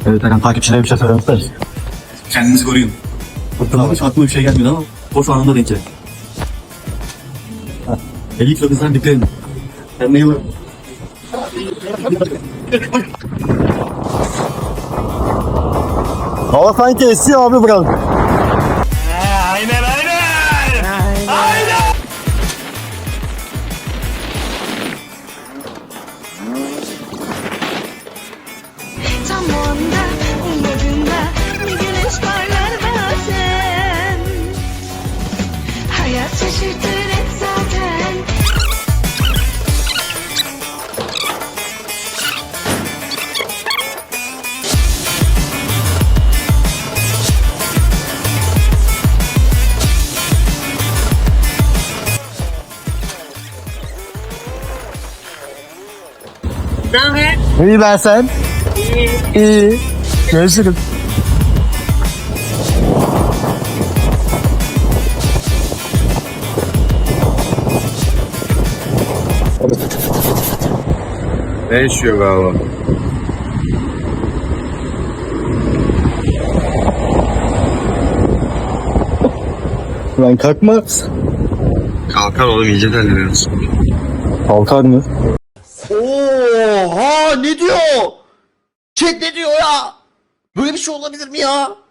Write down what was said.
Evet Erkan, takipçilere bir şey söylemek isteriz. Kendinizi koruyun. Fırtınada hiç aklıma bir şey gelmedi ama boş anında denk geldi. 50 kilo bizden dikkat edin. Kendine iyi bakın. Hava sanki esiyor abi biraz. Aynen aynen. Aynen. Tam o anda ummadığında bir güneş parlar bazen. Hayat şaşırtır hep zaten. İyi ben sen. İyi. Görüşürüz. Ne yaşıyor galiba? Lan kalkma. Kalkar oğlum iyice deliriyoruz. Kalkar mı? Oha ne diyor? Chat ne diyor ya? Böyle bir şey olabilir mi ya?